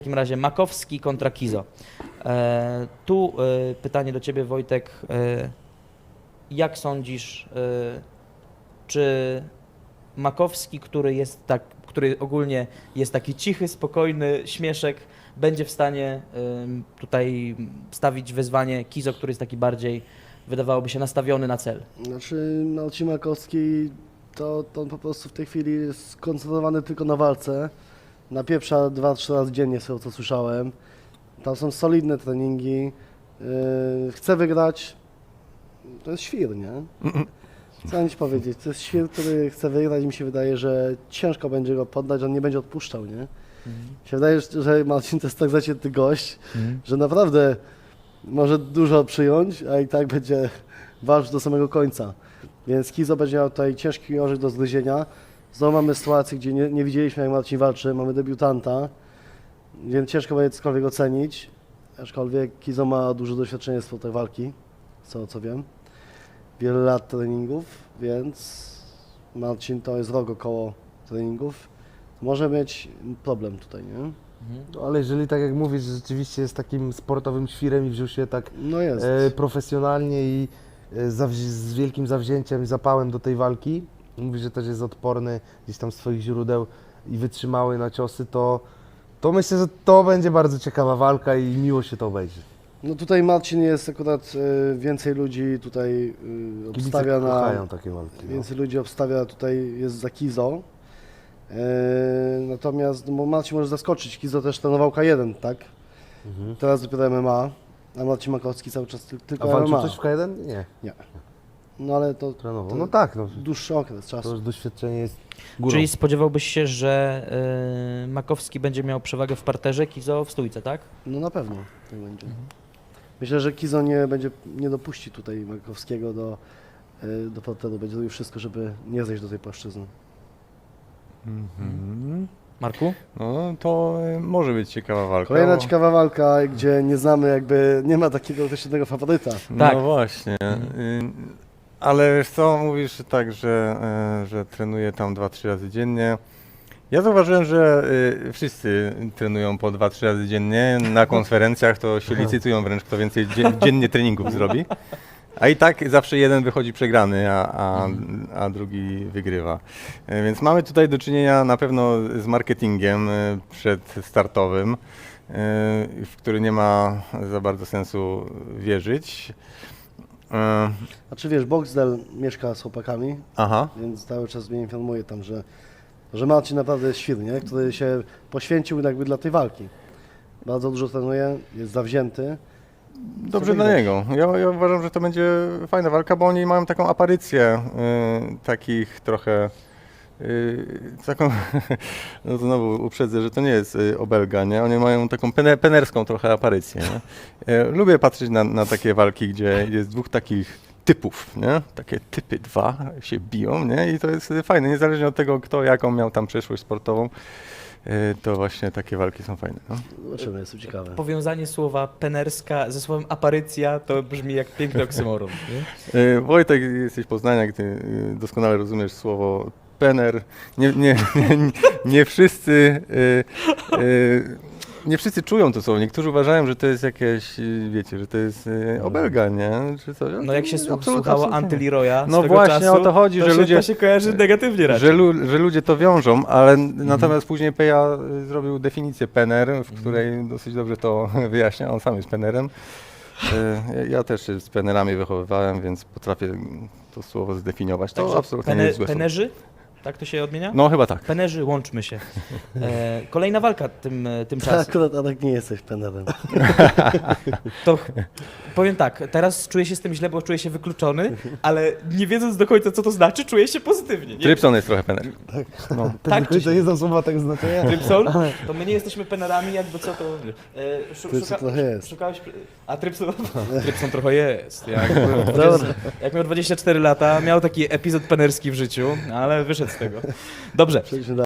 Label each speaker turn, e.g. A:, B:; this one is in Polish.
A: W takim razie Makowski kontra Kizo. Tu pytanie do Ciebie, Wojtek. Jak sądzisz, czy Makowski, który ogólnie jest taki cichy, spokojny, śmieszek, będzie w stanie tutaj stawić wyzwanie Kizo, który jest taki bardziej, wydawałoby się, nastawiony na cel?
B: Znaczy, Marcin Makowski to on po prostu w tej chwili jest skoncentrowany tylko na walce. Napieprza 2-3 razy dziennie, z tego co słyszałem. Tam są solidne treningi. Chce wygrać. To jest świr, nie? Co ci powiedzieć? To jest świr, który chce wygrać i mi się wydaje, że ciężko będzie go poddać, on nie będzie odpuszczał, nie? Mi się wydaje, że Marcin to jest tak zacięty gość, że naprawdę może dużo przyjąć, a i tak będzie walczył do samego końca. Więc Kizo będzie miał tutaj ciężki orzech do zgryzienia. Znowu mamy sytuację, gdzie nie widzieliśmy, jak Marcin walczy, mamy debiutanta, więc ciężko będzie cokolwiek ocenić. Aczkolwiek Kizo ma duże doświadczenie z tej walki, co wiem. Wiele lat treningów, więc Marcin to jest rok około treningów. Może mieć problem tutaj, nie?
C: No, ale jeżeli tak jak mówisz, że rzeczywiście jest takim sportowym świrem i wziął się tak
B: No jest.
C: profesjonalnie i z wielkim zawzięciem i zapałem do tej walki, mówi, że też jest odporny gdzieś tam z swoich źródeł i wytrzymały na ciosy, to myślę, że to będzie bardzo ciekawa walka i miło się to obejrzy.
B: No tutaj Marcin jest akurat więcej ludzi tutaj obstawia
C: Kibice
B: na...
C: kochają takie walki. No.
B: Więcej ludzi obstawia tutaj, jest za Kizo. Natomiast no, Marcin może zaskoczyć. Kizo też trenował K1, tak? Teraz dopiero MMA, a Marcin Makowski cały czas tylko
C: A walczył
B: MMA.
C: coś w K1? Nie,
B: Nie. No ale to
C: trenował. No tak, no,
B: dłuższy okres
C: to
B: czasu.
C: już doświadczenie jest górą.
A: Czyli spodziewałbyś się, że Makowski będzie miał przewagę w parterze, Kizo w stójce, tak?
B: No na pewno tak będzie. Myślę, że Kizo nie dopuści tutaj Makowskiego do parteru. Będzie robił wszystko, żeby nie zejść do tej płaszczyzny.
A: Marku?
D: No to może być ciekawa walka.
B: Kolejna ciekawa walka, gdzie nie znamy jakby, nie ma takiego określonego faworyta.
A: Tak.
D: No właśnie. Ale wiesz co, mówisz tak, że trenuje tam 2-3 razy dziennie. Ja zauważyłem, że wszyscy trenują po 2-3 razy dziennie. Na konferencjach to się licytują wręcz, kto więcej dziennie treningów zrobi. A i tak zawsze jeden wychodzi przegrany, a drugi wygrywa. Więc mamy tutaj do czynienia na pewno z marketingiem przedstartowym, w który nie ma za bardzo sensu wierzyć.
B: Znaczy wiesz, Boxdel mieszka z chłopakami,
D: Aha.
B: więc cały czas mnie informuje tam, że Marcin naprawdę jest świr, nie? Który się poświęcił jakby dla tej walki. Bardzo dużo trenuje, jest zawzięty.
D: Dobrze dla niego. Ja uważam, że to będzie fajna walka, bo oni mają taką aparycję takich trochę taką, no to znowu uprzedzę, że to nie jest obelga, nie? Oni mają taką penerską trochę aparycję. Nie? Lubię patrzeć na takie walki, gdzie jest dwóch takich typów, nie? Takie typy dwa się biją, nie? I to jest fajne, niezależnie od tego, kto jaką miał tam przeszłość sportową. To właśnie takie walki są fajne. No.
B: Zobaczymy, jest to ciekawe.
A: Powiązanie słowa penerska ze słowem aparycja to brzmi jak piękny oksymoron. Nie?
D: Wojtek, jesteś z Poznania, ty doskonale rozumiesz słowo pener. Nie wszyscy nie wszyscy czują to słowo. Niektórzy uważają, że to jest jakieś, wiecie, że to jest obelga, nie? Czy coś.
A: No jak się
D: Absolutnie,
A: słuchało
D: absolutnie.
A: Antyleroya
D: No
A: swego
D: właśnie
A: czasu,
D: o to chodzi, że ludzie...
A: To się kojarzy negatywnie raczej.
D: Że ludzie to wiążą, ale natomiast później Peja zrobił definicję pener, w której dosyć dobrze to wyjaśnia. On sam jest penerem. Ja też się z penerami wychowywałem, więc potrafię to słowo zdefiniować. To
A: Także
D: absolutnie nie jest złe słowo.
A: penerzy? Tak to się odmienia?
D: No chyba tak.
A: Penerzy, łączmy się. Kolejna walka tymczasem.
B: Akurat Adek nie jesteś penerem.
A: To powiem tak, teraz czuję się z tym źle, bo czuję się wykluczony, ale nie wiedząc do końca, co to znaczy, czuję się pozytywnie. Nie?
D: Trypson jest trochę pener.
C: No,
A: Tak,
C: to nie są słowa tak znaczenia.
A: Trypson? To my nie jesteśmy penerami, jakby co to...
B: Trypson trochę jest.
A: Szukałeś... A Trypson? Trypson trochę jest.
B: Dobra.
A: Jak miał 24 lata, miał taki epizod penerski w życiu, ale wyszedł z tego. Dobrze.
B: Przejdźmy